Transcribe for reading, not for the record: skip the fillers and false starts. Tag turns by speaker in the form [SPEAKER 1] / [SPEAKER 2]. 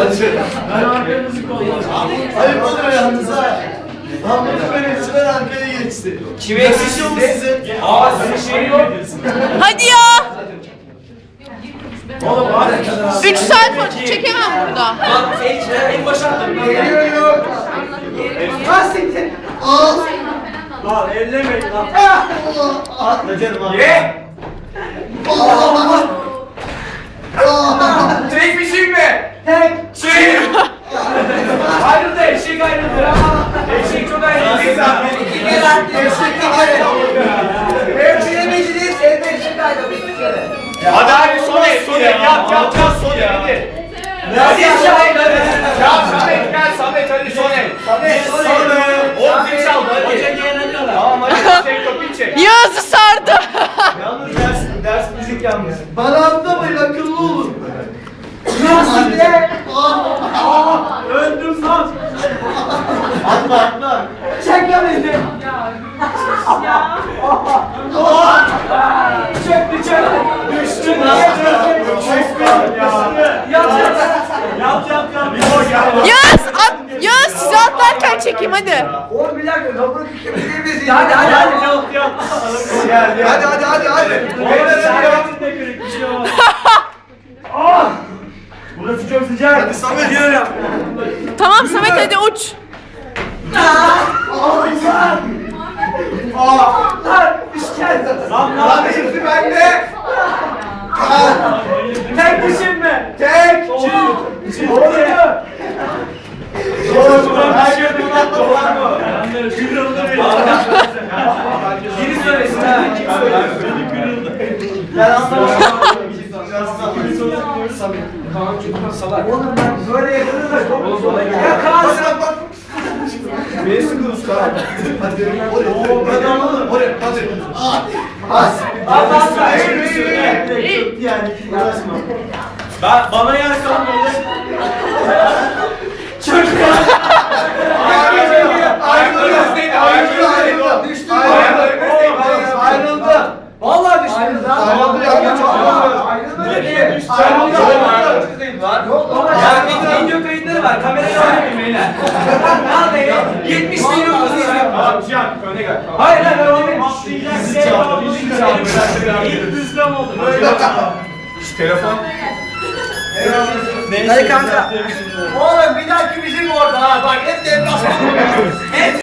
[SPEAKER 1] Ben arkanızı kolladım.
[SPEAKER 2] Ayıp olur yalnız ha. Ahmet'in böyle süper arkaya geçti.
[SPEAKER 3] Kim eksik
[SPEAKER 2] mu size?
[SPEAKER 3] Aa sizin şey yok.
[SPEAKER 4] Hadi ya.
[SPEAKER 1] Oğlum hadi.
[SPEAKER 4] 3 saat foto çekemem burada.
[SPEAKER 3] Bak en başa attım.
[SPEAKER 2] Geliyor. Hastiktir.
[SPEAKER 1] Lan ellemeyin lan.
[SPEAKER 2] Atla canım abi.
[SPEAKER 3] Ye! Tek bir şey mi?
[SPEAKER 2] Tek.
[SPEAKER 3] Şey! Ayrıldı eşek ayrıldı. Eşek çok ayrıldı.
[SPEAKER 2] İki kere attı. Eşek kere. Ev bilemediniz. Evde eşek ayrıldı. İki kere.
[SPEAKER 3] Hadi hadi Soner yap Soner hadi. Hadi yap Samet gel Samet hadi Soner.
[SPEAKER 2] Samet.
[SPEAKER 3] Oğlum zil çaldı hadi. Tamam hadi çek kapıyı çek.
[SPEAKER 4] Yağız'ı sardı.
[SPEAKER 2] Yalnız ders müzik yalnız. Bana atlamayın akıllı olun. Nasıl de?
[SPEAKER 1] Öldüm lan.
[SPEAKER 2] Atla. Çekemedim.
[SPEAKER 3] Çöktü. Düştü
[SPEAKER 1] Yap.
[SPEAKER 4] Yağız sizi atlarken çekeyim hadi.
[SPEAKER 2] Oğlum bir dakika. Kapını kıkabilir
[SPEAKER 3] Hadi.
[SPEAKER 1] Yok.
[SPEAKER 2] Hadi.
[SPEAKER 1] Burası çok sıcak.
[SPEAKER 2] Hadi Samet diyorum.
[SPEAKER 4] Tamam Samet hadi uç.
[SPEAKER 1] Lan
[SPEAKER 2] Hadi şimdi bende.
[SPEAKER 1] tek düşünme.
[SPEAKER 2] Tek. Oğlum her şey bundan var mı?
[SPEAKER 3] Biri söylesin ha. Kim söylesin?
[SPEAKER 2] Ben anlamadım.
[SPEAKER 3] Oğlum ben böyle yakını da çok zor. Ya
[SPEAKER 2] Bak. Beni sıkıyorsun Kaan. Hadi. Hadi anladım. Oraya. Hadi. Yani uğraşma.
[SPEAKER 1] Bana yer kalmadı.
[SPEAKER 2] Ayrıldı. Düştü. Ayrıldı.
[SPEAKER 3] Vallahi düştünüz lan.
[SPEAKER 2] Ayrıldı ya.
[SPEAKER 3] Ya video kayıtları var. Kamerayla oynayayım beyler. Vallahi 70 milyon kız izliyor.
[SPEAKER 1] Öne gel.
[SPEAKER 3] Hayır ben oynayayım.
[SPEAKER 1] Bizi çaldı. İlk düzlem oldu.
[SPEAKER 3] Telefon.
[SPEAKER 2] Hadi kanka. Oğlum bir dahaki bizim orada ha. Bak hep deplasman.